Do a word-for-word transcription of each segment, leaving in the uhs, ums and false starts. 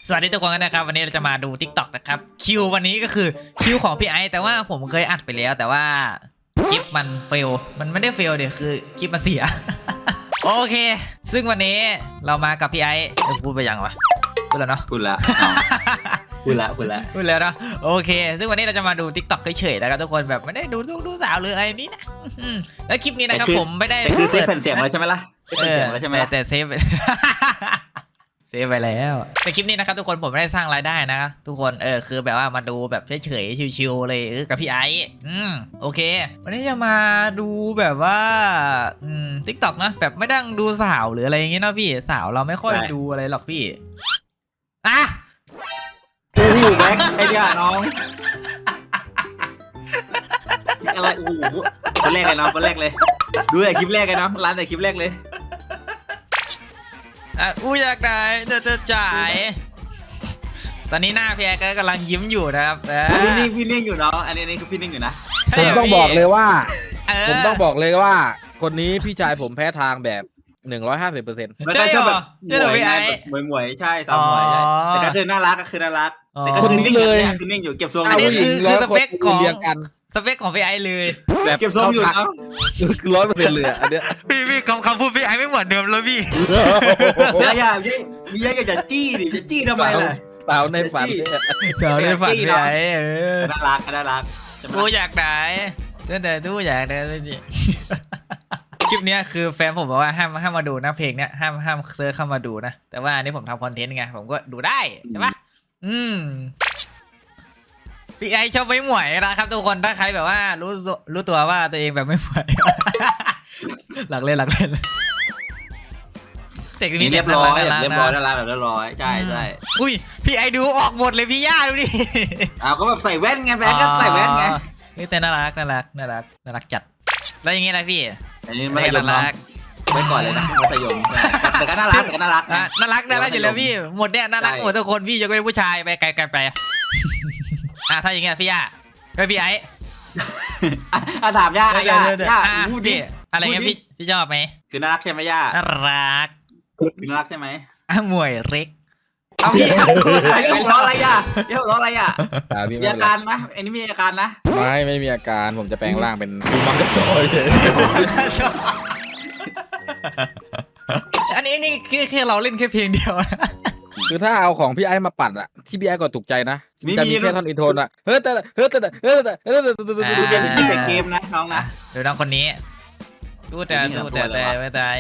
สวัสดีทุกคนกันนะครับวันนี้เราจะมาดู ทิกต็อก นะครับคิววันนี้ก็คือคิวของพี่ไอซ์แต่ว่าผมเคยอัดไปแล้วแต่ว่าคลิปมันเฟลมันไม่ได้เฟลเดี๋ยวคือคลิปมันเสีย โอเคซึ่งวันนี้เรามากับพี่ไอซ์พูดไปยังวะพูดแล้วเนาะพูดละพูดละพูดละพูดแล้วเนาะโอเคซึ่งวันนี้เราจะมาดู ทิกต็อก เฉยๆนะครับทุกคนแบบไม่ได้ดูลูกดูสาวหรืออะไรนี้นะแล้วคลิปนี้นะครับผมไม่ได้แต่คือเซฟแผ่นเสียงแล้วใช่ไหมล่ะเซฟแผ่นเสียงแล้วใช่ไหมแต่เซฟ เซฟไปแล้วแต่คลิปนี้นะครับทุกคนผมไม่ได้สร้างรายได้นะทุกคนเออคือแบบว่ามาดูแบบเฉยๆชิวๆเลยกับพี่ไอซ์อืมโอเควันนี้จะมาดูแบบว่าอืมทิกตอกนะแบบไม่ดังดูสาวหรืออะไรอย่างเงี้ยนะพี่สาวเราไม่ค่อยดูอะไรหรอกพี่อ่ะคือที่อยู่แบ็คไอ้เดียน้องอะไรโอ้โหคนแรกเลยน้องคนแรกเลยดูแต่คลิปแรกเลยน้องร้านแต่คลิปแรกเลยอ่ะอู้อยากได้จะจะจ่ายตอนนี้หน้าพี่แอ๊ก็กำลังยิ้มอยู่นะครับพี่นิ่งพี่นิ่งอยู่น้องอันนี้อันนี้คือพี่นิ่งอยู่นะผมต้องบอกเลยว่าผมต้องบอกเลยว่าคนนี้พี่ชายผมแพ้ทางแบบหนึ่งร้อยห้าสิบเปอร์เซ็นต์มันก็ชอบแบบหมวยหมวยหมวยใช่สาวหมวยใช่แต่ก็คือน่ารักก็คือน่ารักแต่ก็คือนิ่งเลยคือนิ่งอยู่เก็บทรงอันนี้คือคือสเปคของเรียงกันสเปคของพี่ไอซ์เลยแบบเก็บทรงอยู่นะคือร้อยเปอร์เซ็นต์เลยอันเนี้ยพี่พี่คำคำพูดพี่ไอซ์ไม่เหมือนเดิมแล้วพี่อย่าอย่าพี่มีอะไรจะจี้ดิจะจี้ทำไมล่ะสาวในฝันสาวในฝันพี่ไอซ์เออน่ารักน่ารักกูอยากได้แต่ดูอยากได้เลยจิคลิปนี้คือแฟนผมบอกว่าห้ามห้ามมาดูนะเพลงเนี้ยห้ามห้ามเซิร์ชเข้ามาดูนะแต่ว่าอันนี้ผมทำคอนเทนต์ไงผมก็ดูได้ใช่ปะอืมพี่ไอชอบไม่หมวยนะครับทุกคนถ้าใครแบบว่ารู้รู้ตัวว่าตัวเองแบบไม่หมวยหลักเล่นหลักเล่นเด็กนี้เรียบร้อยเรียบร้อยน่ารักแบบเรียบร้อยใช่ใช่อุ้ยพี่ไอดูออกหมดเลยพี่ย่าดูดิอ้าวก็แบบใส่แว่นไงแบงก็ใส่แว่นไงนี่แต่น่ารักน่ารักน่ารักน่ารักจัดแล้วอย่างงี้อะไรพี่อันนี้ไม่น่ารักไว้ก่อนเลยนะมัธยมแต่ก็น่ารักแต่ก็น่ารักน่ารักน่ารักอยู่แล้วพี่หมดเนี่ยน่ารักหมดทุกคนพี่จะเป็นผู้ชายไปไกลๆไปอ่ะถ้าอย่างเงี้ยพี่ย่าไปพี่ไอ้อ่ะถามย่าย่าย่าพูดดิอะไรเงี้ยพี่พี่ชอบไหมคือน่ารักใช่ไหมย่าน่ารักคือน่ารักใช่ไหมอ่ะมวยเล็กเอาพี่หัวเราะอะไรย่าย่าหัวเราะอะไรย่ามีอาการไหมอันนี้มีอาการนะไม่ไม่มีอาการผมจะแปลงร่างเป็นมังกรโซ่เฉยอันนี้นี่คือแค่เราเล่นแค่เพลงเดียวคือถ้าเอาของพี่ไอ้มาปัดอะที่พี่ไอ้ก็ถูกใจนะจะมีแค่ท่อนอินโทรอะเฮ้ยแต่เฮ้ยแต่เฮ้ยแต่เฮ้ยแต่ดูเกมที่แต่เกมนะน้องนะดูน้องคนนี้ดูแต่ดูแต่แต่ไม่ตาย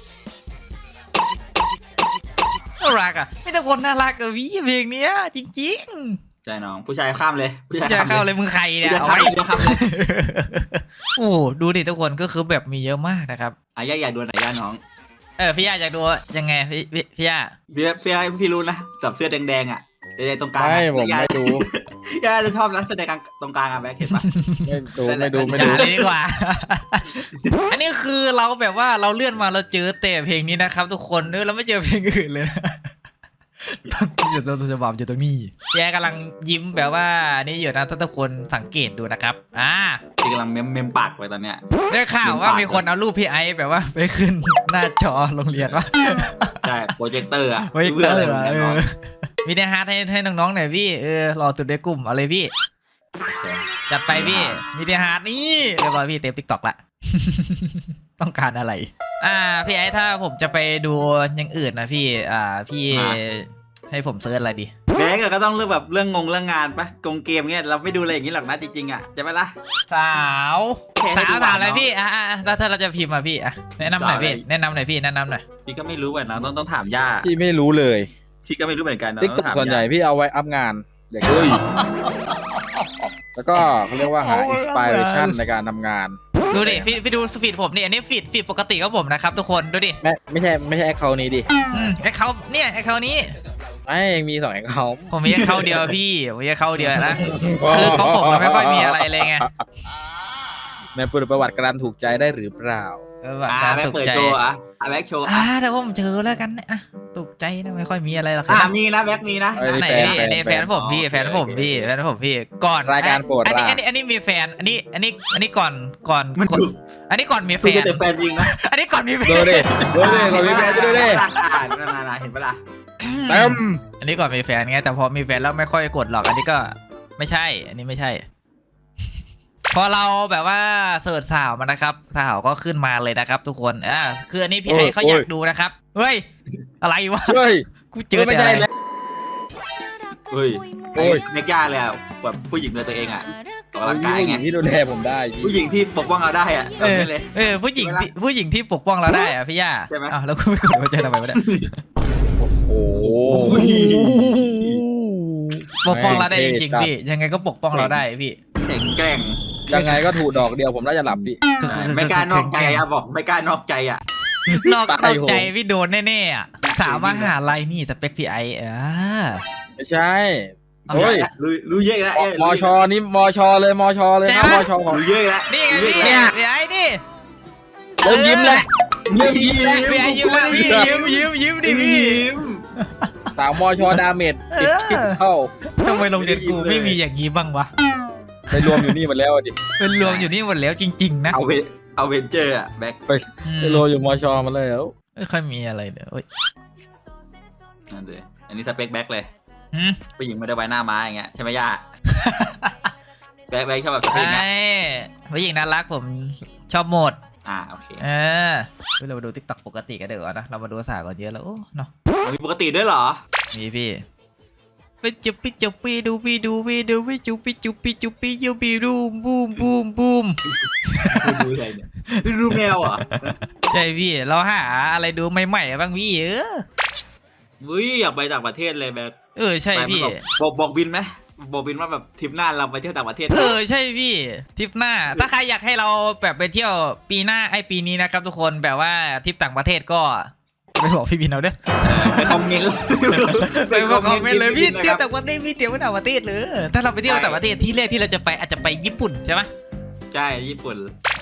น่ารักอ่ะไม่ต้องคนน่ารักกับวิเพลงเนี้ยจริงๆใจน้องผู้ชายข้ามเลยผู้ชายข้ามเลยมึงใครเนี่ยเอาไว้โอ้ดูดิทุกคนก็คือแบบมีเยอะมากนะครับอ่ะย่าอยากดูไหนย่าน้องเออพี่ย่าอยากดูยังไงพี่พี่ย่าพี่พี่พี่รู้นะกับเสื้อแดงๆอ่ะแดงๆตรงกลางไม่ผมไม่ดูย่าจะชอบนะเสื้อแดงตรงกลางอ่ะแบ๊กเห็นปะไม่ดูไม่ดูไม่ดูดีกว่าอันนี้คือเราแบบว่าเราเลื่อนมาเราเจอแต่เพลงนี้นะครับทุกคนเออเราไม่เจอเพลงอื่นเลยต้องอยู่ตรงจะบอมอยู่ตรงนี้แกกำลังยิ้มแบบว่านี่อยู่นะถ้าทุกคนสังเกตดูนะครับอ่าที่กำลังเมมเมมปากไปตอนเนี้ยได้ข่าวว่ามีคนเอารูปพี่ไอซ์แบบว่าไปขึ้นหน้าจอโรงเรียนวะใช่โปรเจคเตอร์อะโปรเจคเตอร์เออมีเนื้อหาให้ให้น้องๆหน่อยพี่เออรอตุดในกลุ่มเอาเลยพี่จัดไปพี่มีเนื้อหานี่เรียบร้อยพี่เต็มติ๊กต็อกละต้องการอะไรอ่าพี่ไอซ์ถ้าผมจะไปดูอย่างอื่นนะพี่อ่าพี่ให้ผมเซิร์ชอะไรดีแบงก์ก็ต้องเรื่องแบบเรื่องงงเรื่องงานปะกงเกมเงี้ยเราไม่ดูอะไรอย่างนี้หรอกนะจริงๆอ่ะใช่ไหมล่ะสาวสาวถามอะไรพี่อ่ะแล้วถ้าเราจะพิมพ์มาพี่อ่ะแนะนำหน่อยพี่แนะนำหน่อยพี่แนะนำหน่อยพี่ก็ไม่รู้เหมือนนะต้องต้องถามย่าพี่ไม่รู้เลยพี่ก็ไม่รู้เหมือนกันนะติ๊กต็อกส่วนใหญ่พี่เอาไว้อัพงานอย่างเงี้ยแล้วก็เขาเรียกว่าหาอินสปิเรชันในการทำงานดูดิพี่พี่ดูฟีดผมนี่อันนี้ฟีดฟีดปกติของผมนะครับทุกคนดูดิไม่ไม่ใช่ไม่ใช่แอคเคาท์นี้ดิอืมแอคเคาท์เนี่ยแอคเคาท์นี้ไม่ยังมีสองแอคเคาท์ผมมีแอคเคาท์เดียวพี่ผมมีแอคเคาท์เดียวนะคือของผมมันไม่ค่อยมีอะไรเลยไงในประวัติการถูกใจได้หรือเปล่าอ่าแบ็คเปิดโชว์อ่ะอ่ะแบ็คโชว์อ่าแต่ผมเจอแล้วกันอ่ะถูกใจนะไม่ค่อยมีอะไรหรอกอ่ามีนะแบ็คมีนะไหนนี่อันนี้แฟนผมพี่แฟนผมพี่แฟนผมพี่ก่อนรายการโปรดอันนี้อันนี้อันนี้มีแฟนอันนี้อันนี้อันนี้ก่อนก่อนอันนี้ก่อนมีแฟนแต่แฟนจริงนะอันนี้ก่อนมีแฟนดูดิดูดิก่อนมีแฟนดูดิน่าน่าเห็นปะล่ะเต็มอันนี้ก่อนมีแฟนไงแต่พอมีแฟนแล้วไม่ค่อยกดหรอกอันนี้ก็ไม่ใช่ อันนี้ไม่ใช่ พอเราแบบว่าเสิร์ชสาวมานะครับสาวก็ขึ้นมาเลยนะครับ ทุกคนอ่าคืออันนี้พี่ไอ้เขาอยากดูนะครับเฮ้ยอะไรวะเฮ้ยกูเจอไม่แต่ใช่อะไรแล้วเฮ้ยโอ้ไอ้ยเมกย่าเลยอ่ะแบบผู้หญิงเลยตัวเองอ่ะออกกำลังกายผู้หไงญิงที่ดูแลผมได้พี่ผู้หญิงที่ปกป้องเราได้อ่ะเออแบบนี้เลยเออผู้หญิงที่ผู้หญิงที่ปกป้องเราได้อะพี่ย่าใช่ไหมอ้าวแล้วกูไม่กดหัวใจทำไมวะเนี่ยโอ้โหปกป้องเราได้จริงๆพี่ยังไงก็ปกป้องเราได้พี่แข็งแกร่งยังไงก็ถูกดอกเดียวผมน่าจะหลับพี่ไม่กล้านอกใจอ่ะบอกไม่กล้านอกใจอ่ะนอกตายนอกโหงใจพี่โดนแน่ๆอ่ะสาวมหาลัยนี่สเปคพี่ไอ้อ่าไม่ใช่เอาเฮ้ยละรู้รู้เยอะแล้วมมชนี่มชเลยมชเลยนะมชของรู้เยอะแล้วนี่ไงรู้พี่เยอะแล้วพี่ไอ้นี่เริ่มยิ้มเลยเริ่มยิ้มพี่ไอ้ยิ้มแล้วพี่ยิ้มยิ้มยิ้มดิพี่ยิ้มสาวมชดาเมจติดคิดเข้าทำไมโรงเรียนกูไม่มีอย่างนี้บ้างวะไปรวมอยู่นี่หมันแล้วดิเป็นรวมอยู่นี่หมดแล้วจริงๆนะเอาเวเอาเวนเจอร์อ่ะแบ็คไปไปรวมอยู่มชมาแล้วไม่ค่อยมีอะไรเดี๋ยวนั่นเลยอันนี้สเปคแบ็คเลยหืมผู้หญิงไม่ได้ไว้หน้าม้าอย่างเงี้ยใช่ไหมย่าแบ็คแบ็คชอบแบบสเปคไอ้เนี้ยผู้หญิงน่ารักผมชอบหมดอ่าโอเคเออเฮ้ยเรามาดูทิกตอกปกติกันเดี๋ยวานะเรามาดูสาวก่อนเยอะแล้วโอ้เนาะมีปกติด้วยเหรอมีพี่ไปจุบปิจุบปีดูปีดูปีดูปีจุบปิจุบปีจุบปียูปีรูมบูมบูมบูมดูอะไรเนี่ยดูแมวเหรอใช่พี่เราหาอะไรดูใหม่ๆบ้างพี่เอออุ้ยอยากไปต่างประเทศเลยแบบเออใช่พี่บอกบอกบินไหมบอกบินว่าแบบทริปหน้าเราไปเที่ยวต่างประเทศเออใช่พี่ทริปหน้า ถ้าใครอยากให้เราแบบไปเที่ยวปีหน้าไอปีนี้นะครับทุกคนแบบว่าทริปต่างประเทศก็ไปบอกพี่บินเอาเด้อไปคอมเมนต์ไปบอกคอมเมนต์เลยพี่เที่ยวต่างประเทศพี่เที่ยวต่างประเทศเลยถ้าเราไปเที่ยวต่างประเทศที่แรกที่เราจะไปอาจจะไปญี่ปุ่นใช่ไหมใช่ญี่ปุ่น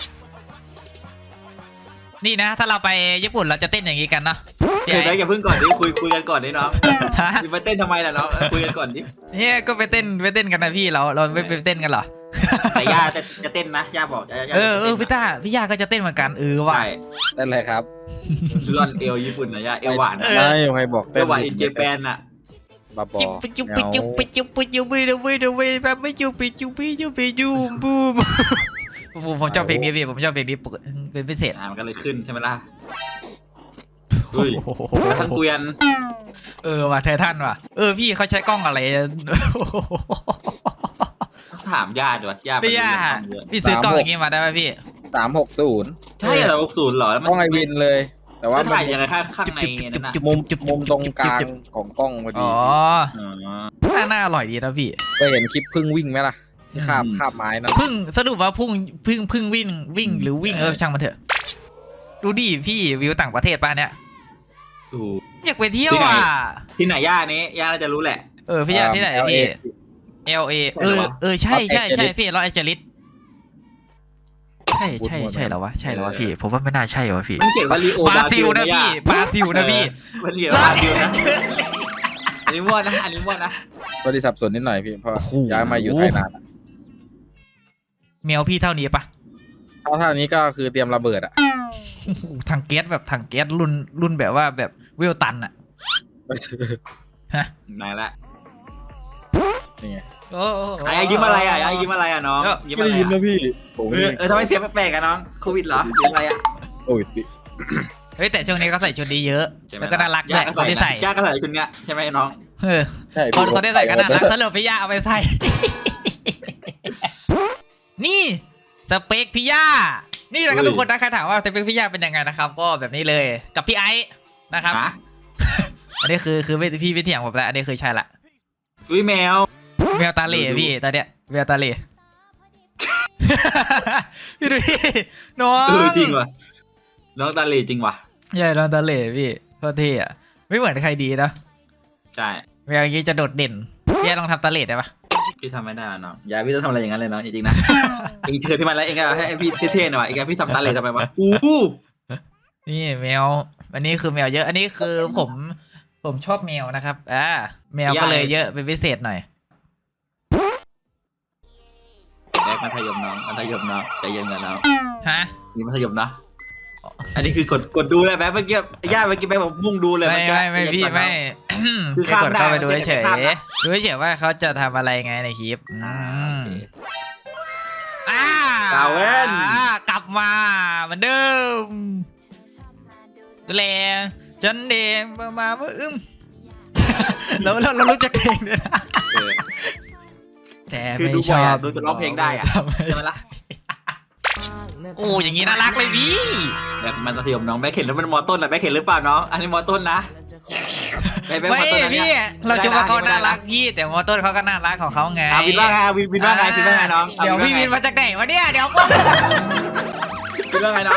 นี่นะถ้าเราไปญี่ปุ่นเราจะเต้นอย่างนี้กันเนาะเดี๋ยวอย่าเพิ่งก่อนดิคุยคุยกันก่อนดิน้องฮะไปเต้นทำไมล่ะน้องคุยกันก่อนดิเนี่ยก็ไปเต้นไปเต้นกันนะพี่เราเราไม่ไปเต้นกันเหรอแต่ย่าจะจะเต้นนะย่าบอกย่าเออเออพี่ต้าพี่ยาก็จะเต้นเหมือนกันเออว่ะใช่นั่นแหละครับร่อนเอวญี่ปุ่นนะย่าเอวหวานเออไม่ใครบอกเอวหวานอินเจแปนน่ะบาบอจุ๊บไปจุ๊บไปจุ๊บไปจุ๊บไปจุ๊บไปจุ๊บไปจุ๊บไปแบบไม่จุ๊บไปจุ๊บไปจุ๊บไปจุ๊บบูมผมผมชอบเพลงนี้พี่ผมชอบเพลงนี้ปกติเป็นพิเศษอ่ามันก็เลยขึ้นใช่ไหมล่ะเฮ้ยทั้งเกวียนเออว่ะไททันว่ะเออพี่เขาใช้กล้องอะไรถามย่าดีกว่าย่าพี่ย่าพี่ซื้อกล้องอย่างงี้มาได้ไหมพี่สามหกศูนย์ใช่เหรอศูนย์เหรอแล้วมันต้องไอวินเลย แต่ว่าว่าถ่ายยังไงข้างข้างในนั่นน่ะมุมมุมตรงกลางของกล้องพอดีอ๋ออ๋อน่าน่าอร่อยดีนะพี่เคยเห็นคลิปพึ่งวิ่งไหมล่ะที่คาบอืมคาบไม้นั่นพึ่งสรุปว่าพุ่งพึ่งพึ่งวิ่งวิ่งหรือวิ่งเออช่างมันเถอะดูดิพี่วิวต่างประเทศป่ะเนี่ยถูกอยากไปเที่ยวที่ไหนอ่ะที่ไหนย่านี้ย่าน่าจะรู้แหละเออพี่อยากที่ไหนพี่ เอล เอ เออเออใช่ใช่ใช่พี่ลอสแอนเจลิสใช่ใช่ใช่แล้ววะใช่แล้ววะพี่ผมว่าไม่น่าใช่วะพี่มันเขียนว่าลีโอบราซิลนะพี่บราซิลนะพี่มันเขียนว่าบราซิลนะอันนี้มั่วนะอันนี้มั่วนะก็ได้สับสนนิดหน่อยพี่เพราะโอ้โหย้ายมาอยู่ไทยนานเมลพี่เท่านี้ปะเท่าเท่านี้ก็คือเตรียมระเบิดอ่ะโอ้โหถังแก๊สแบบถังแก๊สรุ่นรุ่นแบบว่าแบบเวลตันอะฮะไหนละนี่ไงโอ้ไอ้ยิ้มอะไรอ่ะไอ้ยิ้มอะไรอ่ะน้องยิ้มอะไรอ่ะพี่ผมเออเออทำไมเสียงแปลกๆอ่ะน้องโควิดเหรอหรืออะไรอ่ะโอ้ยพี่เฮ้ยแต่ช่วงนี้เขาใส่ชุดนี้เยอะใช่ไหมแล้วก็น่ารักด้วยคนที่ใส่ย่าก็ใส่ชุดเนี้ยใช่ไหมน้องเออใช่คนพี่คนที่ใส่ก็น่ารักสรุปพี่ย่าเอาไปใส่ นี่สเปคพี่ย่านี่แหละครับทุกคนนะใครถามว่าสเปคพี่ย่าเป็นยังไงนะครับ ก็แบบนี้เลยกับพี่ไอซ์นะครับฮะอันนี้คือคือพี่พี่เถียงผมแล้วอันนี้คือใช่ละอุ้ยแมวแววตาเหล่พี่ตอนเนี้ยแววตาเหล่ พี่ดูพี่น้องเออจริงว่ะน้องตาลีจริงว่ะใช่น้องตาเหล่พี่โคตรเท่อะไม่เหมือนใครดีนะใช่แววอย่างนี้จะโดดเด่นพี่ลองทำตาเหล่ได้ปะพี่ทำไม่ได้น้องอย่าพี่ต้องทำอะไรอย่างนั้นเลยน้องจริงๆนะ เองเชิญที่มันแล้วเองก็ให้พี่เท่ๆหน่อยเองก็พี่ทำตาเลยทำไมวะอู้นี่แมวอันนี้คือแมวเยอะอันนี้คือผมผมชอบแมวนะครับอ่าแมวก็เลยเยอะเป็นพิเศษหน่อยแรกมัธยมน้องมัธยมน้องใจเย็นกันน้องฮะนี่มัธยมนะอันนี้คือกดกดดูเลยแป๊บเมื่อกี้ย่าเมื่อกี้แป๊บบอกมุ่งดูเลยไม่เมื่อกี้ไม่ไม่พี่ไม่คือแค่ข้ามกดได้เข้าไปดูมันเฉจะยข้ามได้ดูเฉยว่าเขาจะทำอะไรไงในคลิปอือ่าม โอเคอ่าสาวแว่นอ่ากลับมาเหมือนเดิมดูแลจนเดมประมาณว่าอึ้ม แล้วเราเรารู้จักเพลงด้วยนะเออแต่คือไม่ดูชบ่อยออะบดูจะร้องเพลงได้อะทำไมใช่ไหมล่ะโอ้อย่างนี้น่ารักเลยพี่แบบมันมัธยมน้องแม่เข็นแล้วมันมอต้นอะแม่เข็นหรือเปล่าน้องอันนี้มอต้นนะไปไปไม่มอต้นนะพี่เนี่ยเราจะว่าเขาไม่ได้น่านะรักพี่แต่มอต้นเขาก็น่ารักของเขาไงอ่ะวินว่าไงอ่ะวินวินว่าไงวินว่าไงน้องอ่ะเดี๋ยวพี่วินว่าไงมาจากไหนวะเนี่ยเดี๋ยวก่อนวินว่าไงน้อง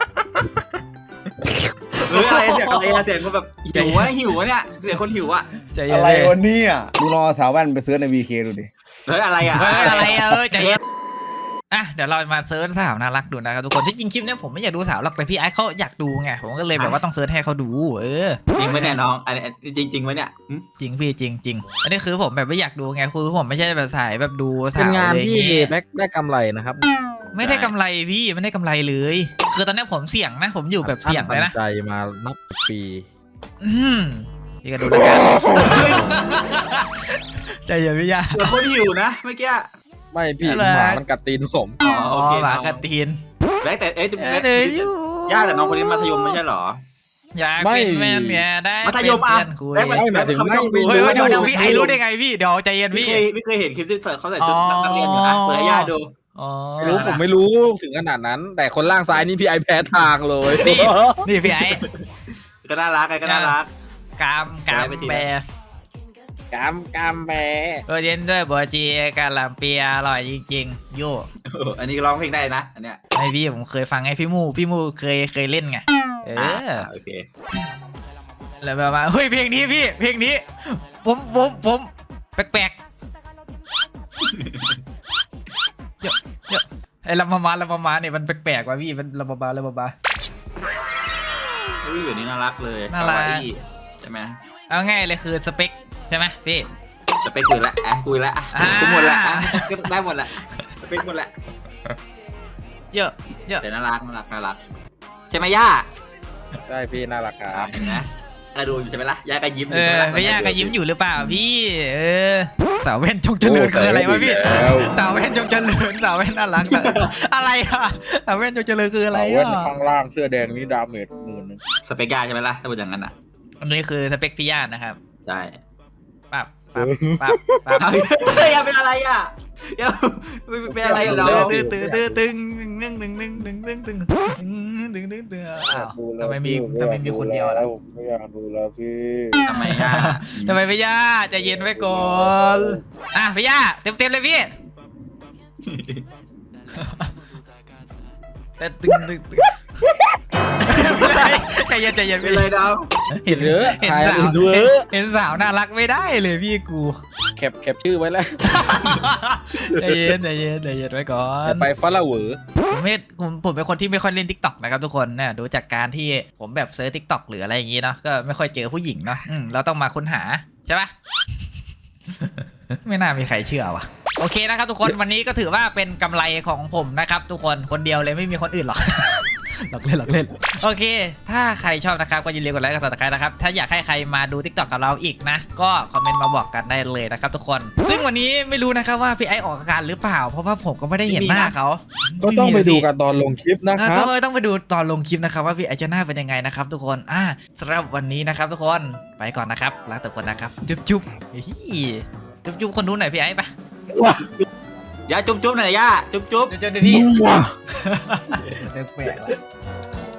เฮ้ยอะไรเสียงอะไรอะเสียงคนแบบหิววะหิววะเนี่ยเสียงคนหิวอะใจเย็นอะไรเลยวันนี้อ่ะดูรอสาวแว่นไปซื้อในวีเคดูดิเฮ้ยอะไรอะเฮ้ยอะไรอะเออใจเย็นอ่ะเดี๋ยวเรามาเซิร์ชสาวน่ารักดูนะครับทุกคนที่จริงคลิปเนี้ยผมไม่อยากดูสาวหรอกแต่พี่ไอซ์เขาอยากดูไงผมก็เลยแบบว่าต้องเซิร์ชให้เขาดูเออจริงไหมเนี่ยน้องอันนี้จริงจริงไหมเนี่ยหึจริงพี่จริงจริงอันนี้คือผมแบบไม่อยากดูไงคือผมไม่ใช่แบบสายแบบดูสาวเป็นงานอะไรที่เงี้ยได้ได้กำไรนะครับไม่ได้กำไรพี่ไม่ได้กำไรเลย คือตอนนี้ผมเสี่ยงนะผมอยู่แบบเสี่ยงเลยนะตั้ใจมานับปีอืมพี่ก็ดูแล้วกัน ใจเย็นพี่ยาเสียงคนหิวนะเมื่อกี้ไม่พี่อะไรหมามันกัดตีนผมอ๋ออ๋โออเคหมาน้องกระตีนแบ็คแต่เอ๊ะเอแบ็อคเดี๋ยวอยู่ย่าแต่น้องคนนี้มัธยมไม่ใช่เหรออยากเป็นแม่เนี่ยได้มัธยมเป็นอ่ะเพื่อนคุยแบ็คไม่หมายถึงเขาไม่ไม่ชอบดูเฮ้ยเฮ้ยไม่เดี๋ยวดูเดี๋ยวพี่ไอรู้ได้ไงพี่เดี๋ยวใจเย็นไม่พี่เคยไม่เคยเห็นคลิปที่เขาใส่ชุดนักเรียนอยู่นะเปิดให้ย่าดูอ๋อไม่รู้ผมไม่รู้ถึงขนาดนั้น แต่คนล่างซ้ายนี่พี่ไอแพ้ทางเลยนี่นี่พี่ไอก็น่ารักไงก็น่ารักกามกามไปทีละแปรกามกามแพ้เออเย็นด้วยบัวจีกาลำเปียอร่อยจริงๆโย่อันนี้ร้องเพลงได้นะอันเนี้ยไอพี่ผมเคยฟังไอพี่มูพี่มูเคยเคยเล่นไงเออ่าอโอเคแล้วแบบว่าเฮ้ยเพลงนี้พี่เพลงนี้ ผมผมผมแปลกๆเดี๋ยวเดี๋ยวไอ้ลำมามาลำมามาเนี่ยมันแปลกๆว่ะพี่มันลำมามาลำมามาอุ้ยอยู่นี่น่ารักเลยน่ารักคาวอี้ใช่ไหมเอาง่ายเลยคือสเปคใช่ไหมพี่จะไปคุยละอ่ะคุยละอ่ะอ่าคุยหมดละอ่ะก็ได้หมดละสเปคหมดละเยอะเยอะแต่น่ารักน่ารักน่ารักใช่ไหมย่าใช่พี่น่ารักครับเห็นไหมเออดูอยู่ใช่ไหมล่ะย่าก็ยิ้มอเอยู่ใช่อไหมล่ะพี่ย่าก็ยิ้มอยู่หรือเปล่าพี่เออสาวแว่นจงเจริญคืออะไรวะพี่แล้วสาวแว่นจงเจริญสาวแว่นน่ารักแต่อะไรอะสาวแว่นจงเจริญคืออะไรเว้นอะข้างล่างเสื้อแดงนี่ดาเมจหมื่นหนึงสเปกย่าใช่ไหมล่ะถ้าเป็นอย่างนั้นอ่ะอันนี้คือสเปคพี่ย่านะครับใช่ปั๊บปั๊บปั๊บปั๊บเฮ้ยอย่าเป็นอะไรอ่ะอย่าเป็นอะไรกับเราตื้อตื้อตื้อตึงตึงตึงตึงตึงตึงตึงตึงตึงตึงตึงอ้าวทำไมมีทำไมมีคนเดียวล่ะไม่อยากดูแล้วพี่ทำไมย่าทำไมพี่ย่าใจเย็นไว้ก่อนอ่ะพี่ย่าเต็มเต็มเลยพี่แต่ตึงตึงตึงใจเย็นใจเย็นเป็นไรดาวเห็นเยอะเห็นถ่ายสาวอื่นดูเยอะเห็นสาวน่ารักไม่ได้เลยพี่กูแคปแคปชื่อไว้แล้วใจเย็นใจเย็นใจเย็นไว้ก่อนจะไปฟาลาเวอร์ผมไม่ผมผมเป็นคนที่ไม่ค่อยเล่นทิกตอกนะครับทุกคนเนี่ยดูจากการที่ผมแบบเซิร์ชทิกตอกหรืออะไรอย่างงี้เนาะก็ไม่ค่อยเจอผู้หญิงเนาะอืมเราต้องมาค้นหาใช่ปะ ไม่น่ามีใครเชื่อว่ะโอเคนะครับทุกคนวันนี้ก็ถือว่าเป็นกำไรของผมนะครับทุกคนคนเดียวเลยไม่มีคนอื่นหรอก หลอกเล่นหลอกเล่นโอเค ถ้าใครชอบนะครับก็อย่าลืมกดไลค์กดซับสไครต์นะครับถ้าอยากให้ใครมาดู ทิกตอก กับเราอีกนะก็คอมเมนต์มาบอกกันได้เลยนะครับทุกคนซึ่งวันนี้ไม่รู้นะครับว่าพี่ไอซ์ออกอาการหรือเปล่าเพราะว่าผมก็ไม่ได้เห็นหน้าเขาก็ต้องไปดูกันตอนลงคลิปนะอ่ะคก็รับต้องไปดูตอนลงคลิปนะครับว่าพี่ไอซ์จะหน้าเป็นยังไงนะครับทุกคนอ่ะสำหรับวันนี้นะครับทุกคนไปก่อนนะครับลาทุกคนนะครับจุ๊บจุ๊บเฮ้ยจุ๊บจุ๊บคนนู้นหน่อยพี่ไอซ์ไปย่าจุ๊บจุ๊บหน่อยย่าจุ๊บจุ๊บเดี๋ยวเจอพี่ เลิกแปลกแล้ว